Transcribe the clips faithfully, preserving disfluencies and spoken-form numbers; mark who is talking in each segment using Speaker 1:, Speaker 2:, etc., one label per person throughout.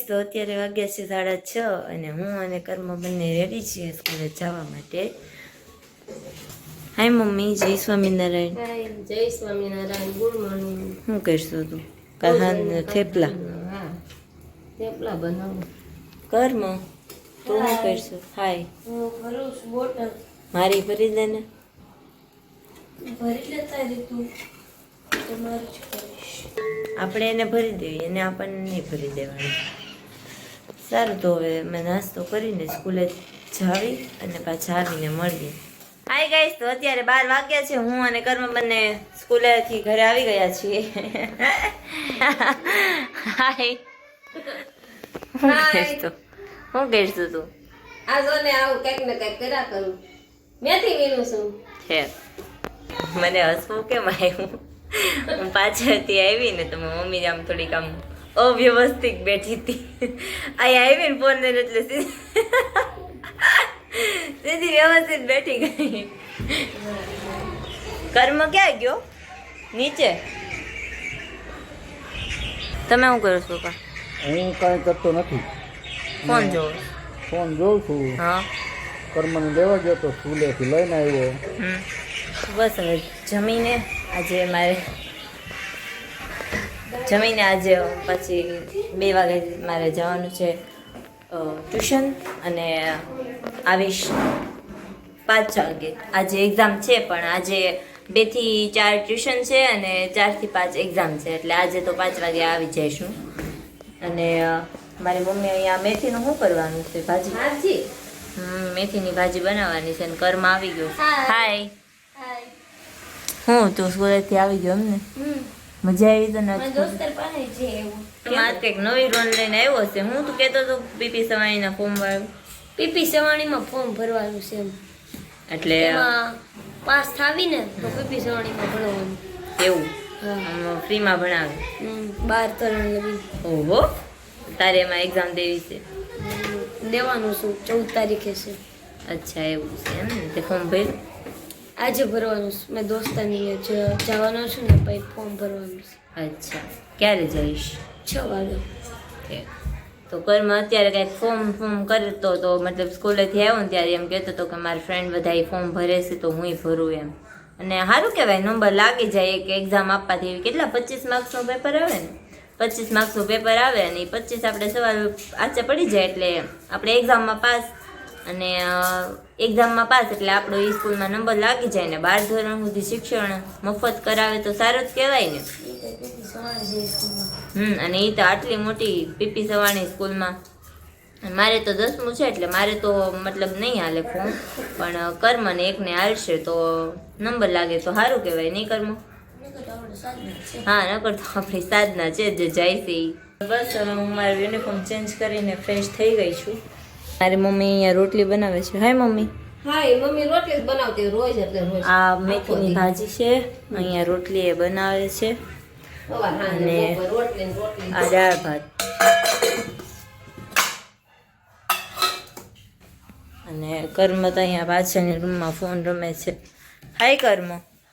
Speaker 1: તો અત્યારે વાગ્યા છે સાડા છ અને હું અને કર્મ બંને રેડી છીએ સ્કૂલે જવા માટે. હાય મમ્મી, જય સ્વામિનારાયણ.
Speaker 2: જય સ્વામિનારાયણ. Good morning.
Speaker 1: શું કરશું તું? કાહાન થેપલા
Speaker 2: હા થેપલા બનાવું.
Speaker 1: કર્મ તું શું કરશું? હાય.
Speaker 2: હું ભરું છું બોટલ.
Speaker 1: મારી ભરી દે ને.
Speaker 2: ભરી લેતા રે તું. તમારું જ કરીશ.
Speaker 1: આપણે એને ભરી દેવી, એને આપણને નહીં ભરી દેવાની. સારું, તો હવે મેં નાસ્તો કરીને સ્કૂલે જાવી અને પાછા આવીને મળીએ. હાય ગાઈસ, તો અત્યારે બાર વાગ્યા છે. હું અને કર્મ બંને સ્કૂલેથી ઘરે આવી ગયા છીએ. હાય. શું કરશું શું કરશું તું?
Speaker 2: આ જો ને આવું કંઈક ને કંઈક કર્યા કરું. મેથી વીણું છું.
Speaker 1: છે મને હસવું કેમ આવ્યું? હું પાછળથી આવી ને તો મમ્મી આમ થોડીક આમ અવ્યવસ્થિત બેઠી હતી. અહીંયા આવી ને ફોન લઈને એટલે સીધી વ્યવસ્થિત બેઠી ગઈ. કર્મ ક્યાં ગયો? નીચે. તમે શું કરો છો? કા
Speaker 3: હું કાંઈ કરતો નથી.
Speaker 1: ફોન જોવો?
Speaker 3: ફોન જોઉં છું.
Speaker 1: હા.
Speaker 3: કર્મને લેવા ગયો તો સ્કૂલેથી લઈને આવ્યો.
Speaker 1: હમ બસ હવે જમીને આજે મારે જમીને આજે પછી બે વાગે મારે જવાનું છે ટ્યુશન અને આવીશ પાંચ વાગે. આજે એક્ઝામ છે પણ આજે બે થી ચાર ટ્યુશન છે અને ચારથી પાંચ એક્ઝામ છે એટલે આજે તો પાંચ વાગે આવી જઈશું. અને મારી મમ્મી અહીંયા મેથીનું શું કરવાનું છે? ભાજી.
Speaker 2: ભાજી
Speaker 1: હમ મેથીની ભાજી બનાવવાની છે. અને કર્મ આવી ગયો. હાય.
Speaker 2: હાય.
Speaker 1: હું તું સ્કૂલેથી આવી ગયો એમને?
Speaker 2: હમ
Speaker 1: મજા આવી તને?
Speaker 2: મારા દોસ્તર પાસે છે એવું.
Speaker 1: મારે કંઈક નવી રોલ લઈને આવ્યો છે. હું તું કહેતો હતો પીપી સવાણીના ફોર્મ વાળું.
Speaker 2: પીપી સવાણીમાં ફોર્મ ભરવાનું છે એમ.
Speaker 1: એટલે
Speaker 2: એમાં પાસ થાવી ને તો પીપી સવાણીમાં ભરવાનું.
Speaker 1: એવું
Speaker 2: હા.
Speaker 1: આમ ફ્રીમાં ભણાવે?
Speaker 2: હમ બાર ધોરણ લગી
Speaker 1: ઓહો, તારે એમાં એક્ઝામ દેવી છે?
Speaker 2: દેવાનું છું. ચૌદ તારીખે છે.
Speaker 1: અચ્છા એવું છે એમ ને? તે ફોર્મ ભર્યું?
Speaker 2: આજે ભરવાનું છે. મેં દોસ્તાની જવાનો છું ને પછી ફોર્મ ભરવાનું છે.
Speaker 1: અચ્છા, ક્યારે જઈશ?
Speaker 2: છ વાગે.
Speaker 1: ઠીક. તો કર્મ અત્યારે કંઈક ફોર્મ ફોર્મ કરતો તો મતલબ સ્કૂલેથી આવ્યો ને ત્યારે એમ કહેતો હતો કે મારા ફ્રેન્ડ બધા ફોર્મ ભરે છે તો હુંય ભરું એમ. અને સારું કહેવાય, નંબર લાગી જાય એક એક્ઝામ આપવાથી. કેટલા પચીસ માર્ક્સનું પેપર આવે ને? પચીસ માર્ક્સનું પેપર આવે અને એ પચીસ આપણે સવાલ આચે પડી જાય એટલે આપણે એક્ઝામમાં પાસ. અને એક્ઝામમાં પાસ એટલે આપણો એ સ્કૂલમાં નંબર લાગી જાય ને બાર ધોરણ સુધી શિક્ષણ મફત કરાવે તો સારું જ કહેવાય ને. હમ અને એ તો આટલી મોટી પીપી સવાણી સ્કૂલમાં. મારે તો દસમું છે એટલે મારે તો મતલબ નહીં હાલે ફોર્મ, પણ કર્મ ને એકને હાલશે તો નંબર લાગે તો સારું કહેવાય નહીં કર્મ? હા, નકર તો આપણી સાધના છે જે જાય છે એ. બસ હવે હું મારું યુનિફોર્મ ચેન્જ કરીને ફ્રેશ થઈ ગઈ છું. મારી મમ્મી અહીંયા રોટલી બનાવે છે. Hi mummy.
Speaker 2: હા, એ મમ્મી રોટલી જ બનાવતી રોજ એટલે રોજ.
Speaker 1: આ મેથીની ભાજી છે, અહીંયા રોટલી એ બનાવે છે અને આ દાળ ભાત. અને કર્મ તો અહીંયા પાછળની રૂમમાં ફોન રમે છે. હાય કર્મ.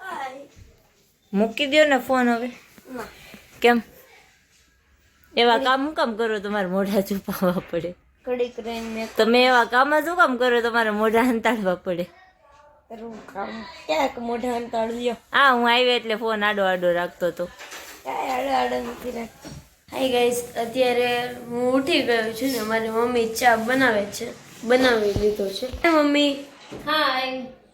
Speaker 1: મૂકી દો ને ફોન હવે. કેમ એવા કામ શું કામ કરો? તમારે મોઢા છુપાવવા પડે?
Speaker 2: કડીક રહીને
Speaker 1: તમે એવા કામ શું કામ કરો? તમારે મોઢા અંતાડવા પડે.
Speaker 2: ક્યાંક મોઢા અંતાડ્યો.
Speaker 1: હા, હું આવી એટલે ફોન આડો આડો રાખતો હતો.
Speaker 2: કાંઈ આડો આડો નથી રાખતો. હાય ગાઈસ, અત્યારે હું ઉઠી ગયો છું ને મારી મમ્મી ચા બનાવે છે. બનાવી લીધો છે. Mummy hi.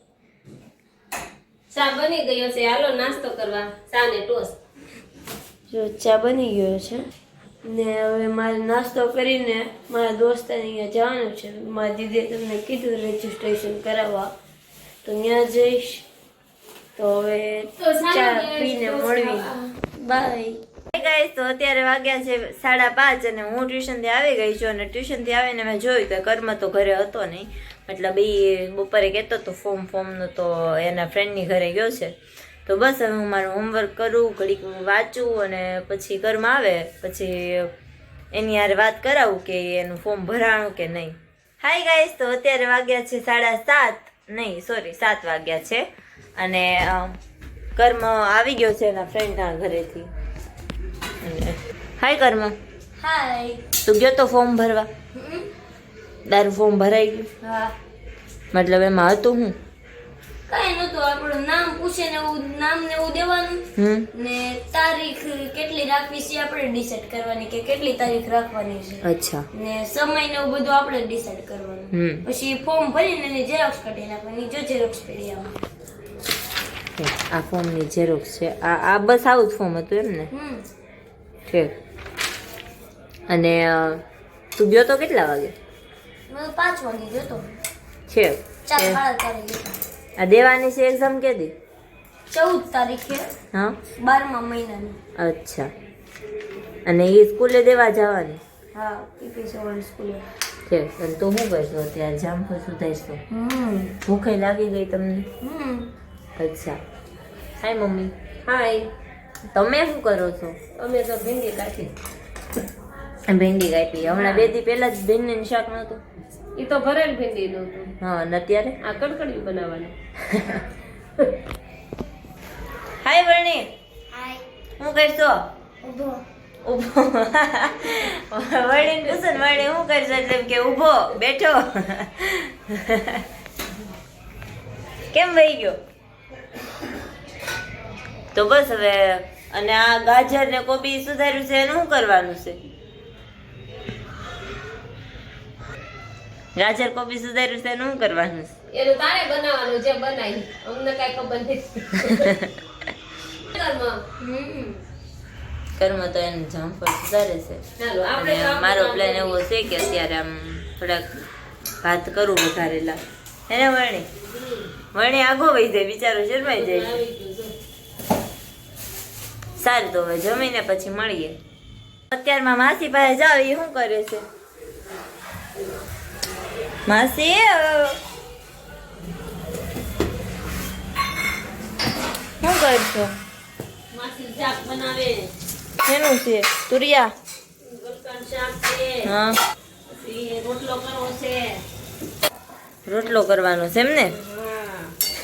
Speaker 2: ચા બની ગયો છે. હાલો નાસ્તો કરવા. ચા ને ટોસ્ટ. જો ચા બની ગયો છે ને હવે મારે નાસ્તો કરીને મારા દોસ્તાને અહીંયા જવાનું છે. મારી દીદીએ તમને કીધું રજીસ્ટ્રેશન કરાવવા, તો ત્યાં જઈશ. તો હવે ચા પીને મળવી. બાય
Speaker 1: ગાઈસ, તો અત્યારે વાગ્યા છે સાડા પાંચ અને હું ટ્યુશનથી આવી ગઈ છું. અને ટ્યુશનથી આવીને મેં જોયું કે કર્મ તો ઘરે હતો નહીં. મતલબ એ બપોરે કહેતો હતો ફોર્મ ફોર્મનું તો એના ફ્રેન્ડની ઘરે ગયો છે. તો બસ હવે હું મારું હોમવર્ક કરું, ઘડીક વાંચું અને પછી કર્મ આવે પછી એની યાર વાત કરાવું કે એનું ફોર્મ ભરાણું કે નહીં. હાય ગાઈસ, તો અત્યારે વાગ્યા છે સાડા સાત નહીં સોરી સાત વાગ્યા છે અને કર્મ આવી ગયો છે એના ફ્રેન્ડના ઘરેથી. હાય કર્મ.
Speaker 2: હાય.
Speaker 1: તું ગયો તો ફોર્મ ભરવા?
Speaker 2: હમ.
Speaker 1: તારું ફોર્મ ભરાઈ ગયું?
Speaker 2: હા.
Speaker 1: મતલબ એમાં હતું હું?
Speaker 2: કઈ નતું, આપણું નામ પૂછે ને એવું નામ ને એવું દેવાનું
Speaker 1: હમ
Speaker 2: ને તારીખ કેટલી રાખવી છે આપણે ડિસાઈડ કરવાની કે કેટલી તારીખ રાખવાની છે
Speaker 1: અચ્છા
Speaker 2: ને સમય ને એવું બધું આપણે ડિસાઈડ કરવાનું.
Speaker 1: હમ
Speaker 2: પછી ફોર્મ ભરીને એની ઝેરોક્સ કાઢી નાખવાની. જો ઝેરોક્સ પડી આવે.
Speaker 1: આ ફોર્મની ઝેરોક્સ છે. આ આ બસ આવું જ ફોર્મ હતું એમ ને?
Speaker 2: હમ.
Speaker 1: ઠીક. અને અ, તું ગયો તો કેટલા વાગે?
Speaker 2: મેં પાંચ વાગે ગયો તો.
Speaker 1: છે
Speaker 2: ચાર સાડા ચારે ગયો.
Speaker 1: આ દેવાની છે એક્ઝામ કે દી?
Speaker 2: ચૌદ તારીખે
Speaker 1: હા
Speaker 2: બારમા મહિનાની.
Speaker 1: અચ્છા. અને એ સ્કૂલે દેવા જવાની?
Speaker 2: હા, પીપી સવાલ સ્કૂલે.
Speaker 1: છે. અને તું શું કરશો અત્યારે? જામફળ સુધારશો?
Speaker 2: હમ.
Speaker 1: ભૂખે લાગી ગઈ તમને?
Speaker 2: હમ.
Speaker 1: અચ્છા. Hi mummy.
Speaker 2: હાય.
Speaker 1: તમે શું કરો છો?
Speaker 2: અમે તો ભીંડી કાઢી.
Speaker 1: ભીંડી કાપી. હમણાં બે દી પહેલા જ ભીંડીનું શાક નહોતું?
Speaker 2: એ તો ભરેલ ભીંડી નું હતું.
Speaker 1: હા. અને અત્યારે
Speaker 2: આ કડકડિયું બનાવવાનું.
Speaker 1: હાય વર્ણી.
Speaker 2: હાય.
Speaker 1: શું કરશો?
Speaker 2: ઉભો.
Speaker 1: ઊભો. વર્ણીને પૂછો ને વર્ણી શું કરશો એટલે એમ કે ઊભો બેઠો. કેમ વહી ગયો? તો બસ હવે. અને આ ગાજર ને કોબી સુધાર્યું છે એનું શું કરવાનું છે? ગાજર કોબી સુધાર્યું છે એનું શું કરવાનું છે?
Speaker 2: એનું તારે બનાવવાનું જે બનાવી. અમને કઈ ખબર નથી. હમ.
Speaker 1: કર્મ તો એને જામફળ સુધારે છે.
Speaker 2: ચાલો આપણે
Speaker 1: અને
Speaker 2: તો આપણે
Speaker 1: મારો
Speaker 2: આપણે
Speaker 1: પ્લાન એવો છે કે અત્યારે આમ થોડાક ભાત કરું વઘારેલા. એને વર્ણી વર્ણી આગો વહી જાય, બિચારો શરમાઈ જાય છે.
Speaker 2: આવી ગયું જો.
Speaker 1: સારું તો હવે જમીને પછી મળીએ. અત્યારમાં માસી પાસે જાવ, એ શું કરે છે? માસી અ, શું કરશો?
Speaker 2: માસી શાક બનાવે.
Speaker 1: શેનું છે? તુરિયા?
Speaker 2: ગલકાનું શાક છે.
Speaker 1: હા.
Speaker 2: પછી રોટલો કરવો છે.
Speaker 1: રોટલો કરવાનો છે એમ ને?
Speaker 2: હા.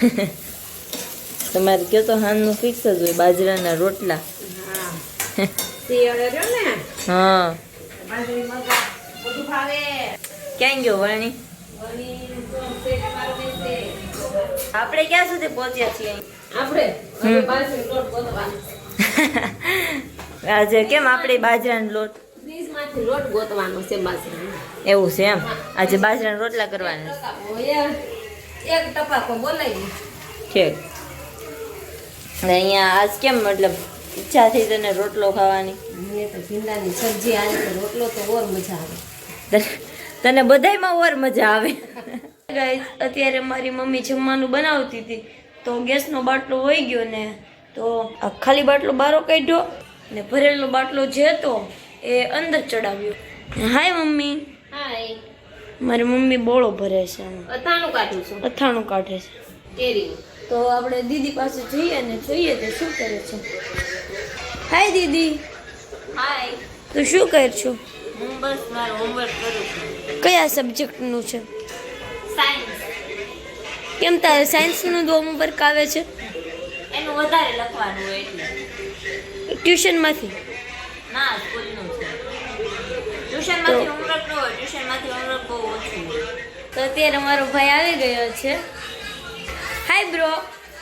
Speaker 1: તમારે કયો તો હાનનું ફિક્સ જ હોય, બાજરાના રોટલા.
Speaker 2: હા. શિયાળે રહ્યો ને
Speaker 1: હા.
Speaker 2: બાજરી મગા બધું ભાવે.
Speaker 1: ક્યાં ગયો વર્ણી?
Speaker 2: વળી તો પેટ મારો બેસે.
Speaker 1: આપણે ક્યાં સુધી પહોંચ્યા છીએ?
Speaker 2: આપણે હવે બાજરી લોટ ગોતવાનો.
Speaker 1: આજે કેમ આપણે બાજરાનો લોટ?
Speaker 2: ફ્રીજમાંથી લોટ ગોતવાનો છે બાજરીનો.
Speaker 1: એવું છે એમ? આજે બાજરાના રોટલા કરવાના
Speaker 2: એક ટપાકો બોલાવી.
Speaker 1: છે. અને અહીંયા આજ કેમ મતલબ ઈચ્છા થઈ તને રોટલો ખાવાની?
Speaker 2: મને તો ભીંડાની સબ્જી આવે તો રોટલો તો ઓર મજા આવે.
Speaker 1: તને- તને બધાયમાં ઓર મજા આવે.
Speaker 2: ગાઈસ, અત્યારે મારી મમ્મી જમવાનું બનાવતી હતી તો ગેસનો બાટલો વહી ગયો ને તો આ ખાલી બાટલો બારો કાઢ્યો ને ભરેલો બાટલો જે હતો એ અંદર ચડાવ્યો. હાય મમ્મી. હાય. મારી મમ્મી બોળો ભરે છે. અથાણું કાઢું છું. અથાણું કાઢે છે કેરી. તો આપણે દીદી પાસે જઈએ અને જોઈએ તે શું કરે છે. હાય દીદી.
Speaker 1: હાય.
Speaker 2: તું શું કર છો?
Speaker 1: હું બસ મારું હોમવર્ક કરું છું.
Speaker 2: કયા સબ્જેક્ટનું છે?
Speaker 1: સાયન્સ.
Speaker 2: કેમ તારે સાયન્સનું જ હોમવર્ક આવે છે?
Speaker 1: એનું વધારે લખવાનું હોય એટલે.
Speaker 2: ટ્યુશનમાંથી?
Speaker 1: ના, સ્કૂલનું છે. ટ્યુશનમાંથી હોમવર્ક ન હોય, ટ્યુશનમાંથી હોમવર્ક બહુ ઓછું હોય.
Speaker 2: તો અત્યારે મારો ભાઈ આવી ગયો છે. Hi bro.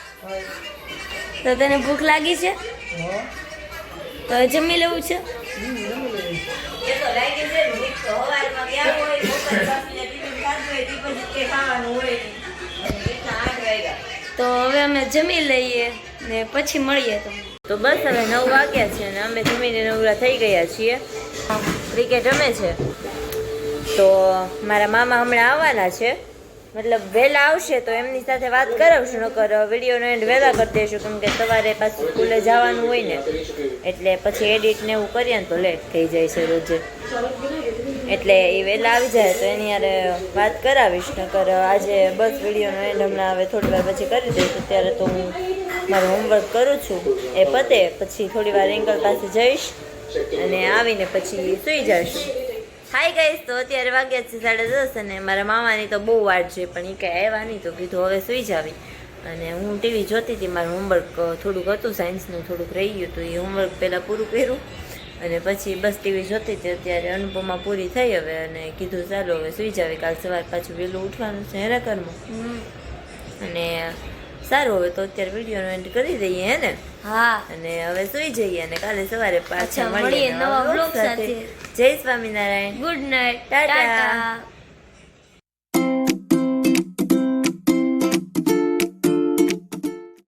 Speaker 2: તો તને ભૂખ લાગી છે? તો જમી લેવું છે?
Speaker 1: એ તો લાગે છે ને, ભૂખ તો સવારમાં ગયા હોય, બપોરે બાફીને ટિફિન ખાધું હોય, તે પછી કંઈ ખાવાનું હોય નહીં. અને કેટલા આઠ વાગ્યા.
Speaker 2: તો હવે અમે જમી લઈએ ને પછી મળીએ તમને.
Speaker 1: તો બસ હવે નવ વાગ્યા છે અને અમે જમીને નવરા થઈ ગયા છીએ. ક્રિકેટ રમે છે. તો મારા મામા હમણાં આવવાના છે, મતલબ વહેલા આવશે તો એમની સાથે વાત કરાવશું, નકર વિડીયોનો એન્ડ વહેલા કરી દઈશું કેમ કે સવારે પાછું સ્કૂલે જવાનું હોય ને એટલે પછી એડિટ ને એવું કરીએ ને તો લેટ થઈ જાય છે રોજે. એટલે એ વહેલા આવી જાય તો એની યારે વાત કરાવીશ, નકર આજે બસ વિડીયોનો એન્ડ હમણાં હવે થોડી વાર પછી કરી દઈશ. અત્યારે તો હું મારું હોમવર્ક કરું છું, એ પતે પછી થોડી વાર એંકલ પાસે જઈશ અને આવીને પછી સૂઈ જઈશું. હાય ગાઈસ, તો અત્યારે વાગ્યા છે સાડા દસ અને મારા મામાની તો બહુ વાટ છે પણ એ કાંઈ આવ્યા નહીં તો કીધું હવે સૂઈ જાવી. અને હું ટીવી જોતી હતી, મારું હોમવર્ક થોડુંક હતું સાયન્સનું થોડુંક રહી ગયું હતું, એ હોમવર્ક પહેલાં પૂરું કર્યું અને પછી બસ ટીવી જોતી હતી. અત્યારે અનુપમા પૂરી થઈ હવે અને કીધું ચાલો હવે સુઈ જાવે, કાલ સવાર પાછું વહેલું ઉઠવાનું છે હેરા ઘરમાં.
Speaker 2: હમ.
Speaker 1: અને સારું હવે તો અત્યારે વિડીયોનો એન્ડ કરી દઈએ હે ને.
Speaker 2: હા
Speaker 1: અને હવે સુઈ જઈએ અને કાલે સવારે પાછા
Speaker 2: અચ્છા,
Speaker 1: મળીએ
Speaker 2: મળીએ નવા
Speaker 1: vlog
Speaker 2: vlog સાથે.
Speaker 1: જય Swaminarayan.
Speaker 2: Good night,
Speaker 1: tata.
Speaker 2: Tata.